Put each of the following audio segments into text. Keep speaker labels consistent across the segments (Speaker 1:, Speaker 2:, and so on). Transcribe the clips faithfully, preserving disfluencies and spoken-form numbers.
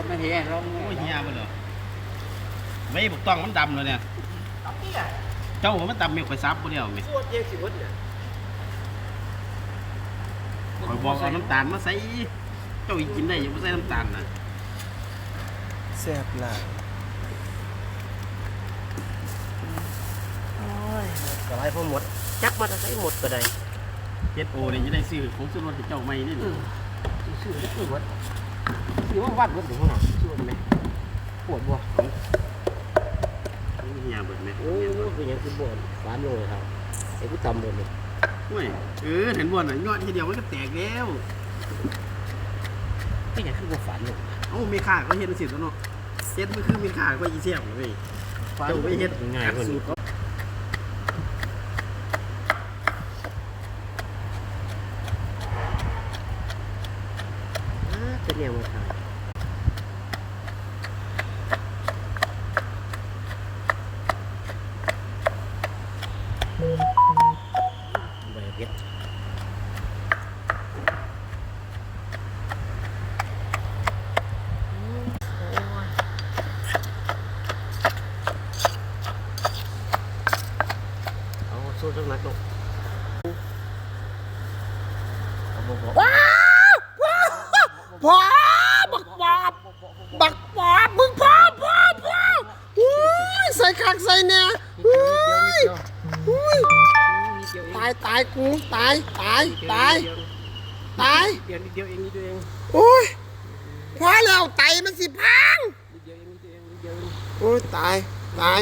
Speaker 1: ไม่เห็นเราโอ้
Speaker 2: ยเฮียมันเหรอไม่บุกต้องมันดำเลยเนี่ยเจ้าผมมันดำมีไฟซับคนเดียวไหมคอยบอกเอาน้ำตาลมาใส่เจ้าอีกกินได้ยังไม่ใส่น้ำตาลนะ
Speaker 3: แซ่บหลาย
Speaker 1: กระไรพอหมดจักมาจะใส่หมดก็ได้
Speaker 2: เจ็ดโอเนี่ยจะได้ซื้อของซื้อรถเจ้าไม่นี่
Speaker 1: ซื้อได้ซื้อวัดซื้อว่าวัดวัดถึงห้องซื้อไหมปวดบ่
Speaker 2: เฮียเบิดไหม
Speaker 1: โอ้ยเป็นยังคือบ่นฟ้านเลยครับไอ้ผู้ทำเลยนี่
Speaker 2: เฮ้ยเออเห็นบ่นอ่ะยอดทีเดียวมันก็แตกแล้ว
Speaker 1: เป็นยังคือบ่ฝันเลย
Speaker 2: โอ้มีค่าก็เฮ็ดสิตัวเนาะเฮ็ดมันคือมีค่าก็อีเสียบเลยเจ้าไม่เฮ็ดง่ายกว่า
Speaker 1: เป็นยังไงครับใบเก็ดเอาสู้จังนักลง
Speaker 3: ว้าวว้าวพ่อบักปอบบักปอบมึงพ่อพ่อพ่ออุ้ยใส่คักใส่เนี่ยอุ้ยอุ้ยตายตายกูตายตายตายตาย
Speaker 1: เดียวนิดเดียวเองนิดเดียวเอง
Speaker 3: โอ้ยพอแล้วไตมันสิพัง
Speaker 1: นิดเดียวเองนิดเดียวเองนิดเดียวเอง
Speaker 3: โอ้ยตายตาย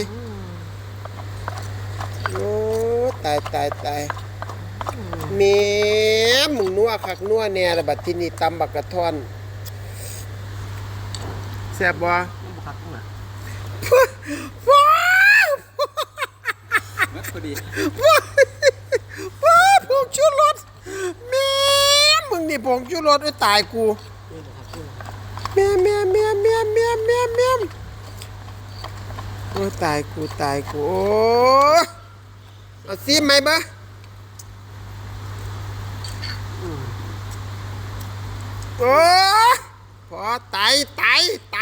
Speaker 3: โอ้ตายตายตายเมียมึงนัวคักนัวแน่ละบัดที่นี่ตำบักกระท่อนแซ่บบ่
Speaker 1: มันบุคักข้างหลัง
Speaker 3: ว้าว
Speaker 1: เมื่อพอดี
Speaker 3: ว้าวผงชูรสเมียมึงนี่ผงชูรสไอ้ตายกูเมียเมียเมียเมียเมียเมียเมียโอ้ตายกูตายกูโอ้เอาซีไหมบ้าโอ้พอไตไตไต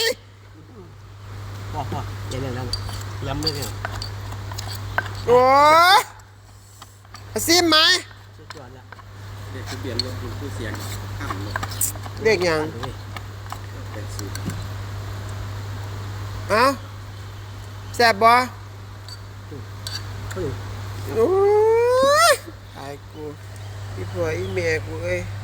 Speaker 1: พอพอเดี๋ยวนั้นย้ำเลยเนี่ย
Speaker 3: โอ้ซีไหม
Speaker 1: สุดยอดละ
Speaker 2: เด็กทะเบียนรถคุณผู้เสียงข้ามรถ
Speaker 3: เด็กยังเอ้าแซ่บบ่โอ้ยตายกูอีพ่ออีแม่กูเอ้ย